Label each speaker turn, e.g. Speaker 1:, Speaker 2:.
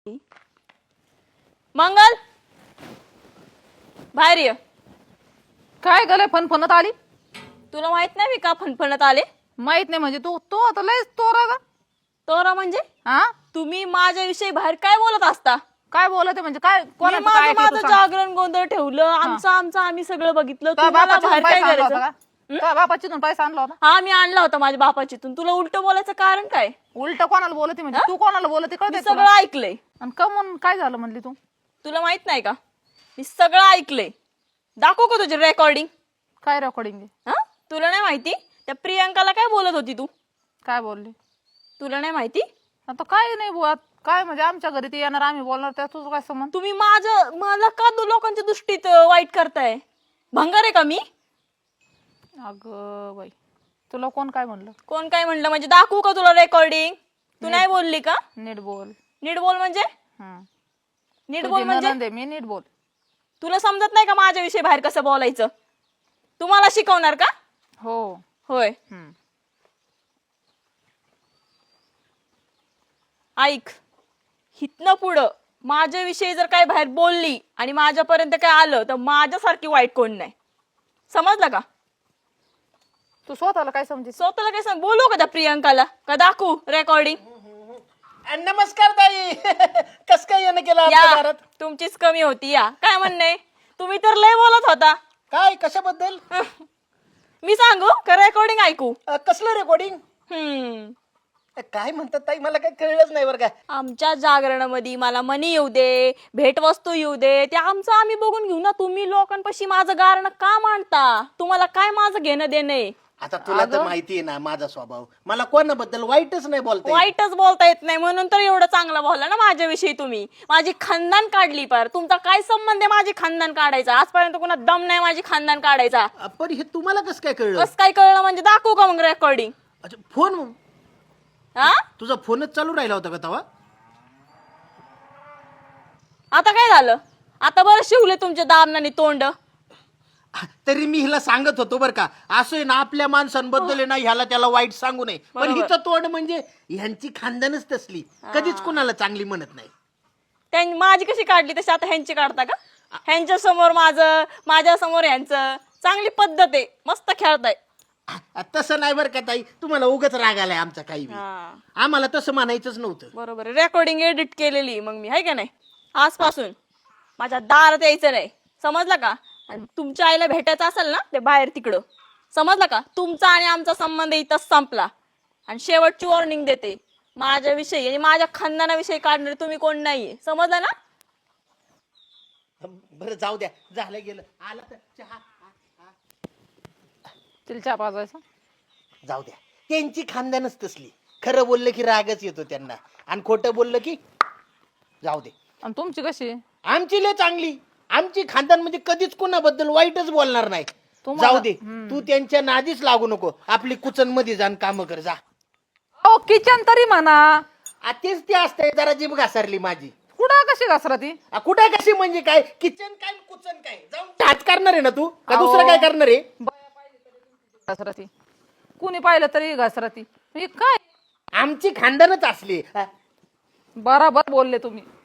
Speaker 1: मंगल बाहेर ये.
Speaker 2: काय गले फणफणत आली?
Speaker 1: तुला माहित नाही मी का फणफणत आले?
Speaker 2: माहित नाही म्हणजे तू आता लयच तोरा ग.
Speaker 1: तोरा म्हणजे
Speaker 2: हा
Speaker 1: तुम्ही माझ्याविषयी बाहेर काय बोलत असता?
Speaker 2: काय बोलते म्हणजे काय
Speaker 1: मी
Speaker 2: कोणाचं काय ऐकलं तू
Speaker 1: माझं
Speaker 2: सांग?
Speaker 1: जागरण गोंधळ ठेवलं. आमचं आम्ही सगळं बघितलं.
Speaker 2: तुझ्या
Speaker 1: तुम्हाला
Speaker 2: बापाच्या
Speaker 1: बाहेर काय
Speaker 2: पैसा आणला होता
Speaker 1: करायचं?
Speaker 2: का? तुझ्या बापाची पैसा आणला होता?
Speaker 1: हा मी आणला होता माझ्या बापाचीतून. तुला उलट बोलायचं कारण काय?
Speaker 2: उलट कोणाला बोलते म्हणजे तू कोणाला बोलते
Speaker 1: मी
Speaker 2: कळते
Speaker 1: सगळं ऐकलंय.
Speaker 2: आणि कमून काय झालं म्हणली तू?
Speaker 1: तुला माहित नाही का? मी सगळं ऐकलंय. दाखव का तुझी रेकॉर्डिंग?
Speaker 2: काय रेकॉर्डिंग?
Speaker 1: हा तुला नाही माहिती? त्या प्रियंकाला काय बोलत होती तू?
Speaker 2: काय बोलली?
Speaker 1: तुला नाही माहिती?
Speaker 2: आता काय नाही बोलत काय म्हणजे आमच्या घरी ते येणार आम्ही बोलणार त्या तुझं काय संबंध?
Speaker 1: तुम्ही मला का लोकांच्या दृष्टीत वाईट करताय? भंगार आहे का मी?
Speaker 2: अगं बाई तुला कोण काय म्हणलं?
Speaker 1: कोण काय म्हणलं म्हणजे दाखवू का तुला रेकॉर्डिंग? तू नाही बोलली का?
Speaker 2: नीट बोल.
Speaker 1: नीट बोल म्हणजे? नीट बोल
Speaker 2: तुझी
Speaker 1: म्हणजे
Speaker 2: नणंद आहे, मी नीट बोल.
Speaker 1: तुला समजत नाही का माझ्याविषयी बाहेर कसं बोलायचं? तुम्हाला शिकवणार का?
Speaker 2: हो.
Speaker 1: होय. ऐक, हितनं पुढं माझ्याविषयी जर काय बाहेर बोलली आणि माझ्यापर्यंत काय आलं तर माझ्यासारखी वाईट कोण नाही. समजलं का?
Speaker 2: तू स्वतःला काय समजेल?
Speaker 1: स्वतःला काय सांग? बोलू का त्या प्रियंकाला का दाखवू रेकॉर्डिंग?
Speaker 3: नमस्कार ताई. कस काय येणं केलं
Speaker 1: या
Speaker 3: आपल्या घरात?
Speaker 1: तुमचीच कमी होती. या काय म्हणणे? तुम्ही तर लय बोलत होता.
Speaker 3: काय कशाबद्दल?
Speaker 1: मी सांगू का रेकॉर्डिंग ऐकू?
Speaker 3: कसलं रेकॉर्डिंग? काय म्हणतात ताई मला काही कळलंच नाही बरं का.
Speaker 1: आमच्या जागरणामध्ये मला मनी येऊ दे, भेटवस्तू येऊ दे, ते आमचं आम्ही बघून घेऊ ना. तुम्ही लोकांपाशी माझं गारणं का मांडता? तुम्हाला काय माझं घेणं देणं?
Speaker 3: आता तुला तर माहिती आहे ना माझा स्वभाव. मला कोणाबद्दल वाईटच नाही बोलता.
Speaker 1: वाईटच बोलता येत नाही म्हणून तर एवढं चांगलं बोलला ना माझ्याविषयी तुम्ही. माझी खानदान काढली. पर तुमचा काय संबंध आहे माझी खानदान काढायचा? आजपर्यंत कोणा दम नाही माझी खानदान काढायचा.
Speaker 3: पण हे तुम्हाला कसं काय कळलं?
Speaker 1: कसं काय कळलं म्हणजे दाखवू का मग रेकॉर्डिंग?
Speaker 3: अच्छा फोन.
Speaker 1: हा
Speaker 3: तुझा फोनच चालू राहिला होता का तेव्हा?
Speaker 1: आता काय झालं? आता बरं शिवले तुमच्या दामनाने तोंड.
Speaker 3: तरी मी हिला सांगत होतो बरं का, असं आहे ना आपल्या माणसांबद्दल आहे ना ह्याला त्याला वाईट सांगू नये. पण
Speaker 1: बरोबर.
Speaker 3: हिचं तोंड म्हणजे ह्यांची खानदानच तसली, कधीच कुणाला चांगली म्हणत नाही.
Speaker 1: त्यांनी माझी कशी काढली तशी आता ह्यांची काढता का? ह्यांच्या समोर माझं, माझ्या समोर ह्यांचं. चांगली पद्धत आहे. मस्त खेळताय.
Speaker 3: तसं नाही बरं का ताई, तुम्हाला उगाच राग आलाय आमचा काही बी. आम्हाला तसं म्हणायचंच नव्हतं.
Speaker 1: बरोबर आहे. रेकॉर्डिंग एडिट केलेली मग मी आहे का नाही. आजपासून माझ्या दारात यायचं नाही. समजलं का? आणि तुमच्या आईला भेटायचं असेल ना ते बाहेर तिकडं. समजलं का? तुमचा आणि आमचा संबंध इथंच संपला. आणि शेवटची वॉर्निंग देते, माझ्याविषयी आणि माझ्या खानदानाविषयी काढणारे तुम्ही कोण नाहीये. समजलं ना?
Speaker 3: बरं जाऊ द्या, झालं गेलं. आला तर चहा.
Speaker 2: तिला चहा पाजायचा?
Speaker 3: जाऊ द्या, त्यांची खानदानच तसली. खरं बोललं की रागच येतो त्यांना आणि खोटं बोललं की जाऊ दे.
Speaker 2: आणि तुमची कशी?
Speaker 3: आमची लय चांगली. आमची खानदान म्हणजे कधीच कोणाबद्दल वाईटच बोलणार नाही. जाऊ दे, तू त्यांच्या नादीच लागू नको. आपली कुचन मध्ये जाण काम कर जा.
Speaker 2: ओ किचन तरी म्हणा.
Speaker 3: तेच ते असतंय, जरा जीभ घासारली माझी.
Speaker 2: कुठं कशी घसरा ती?
Speaker 3: कुठे कशी म्हणजे काय? किचन काय कुचन काय? जाऊन टाच करणार आहे ना तू का दुसरं काय करणार आहे?
Speaker 2: घसरा ती कुणी पाहिलं तरी घसरा ती. काय
Speaker 3: आमची खानदानच असली.
Speaker 2: बराबर बोलले तुम्ही.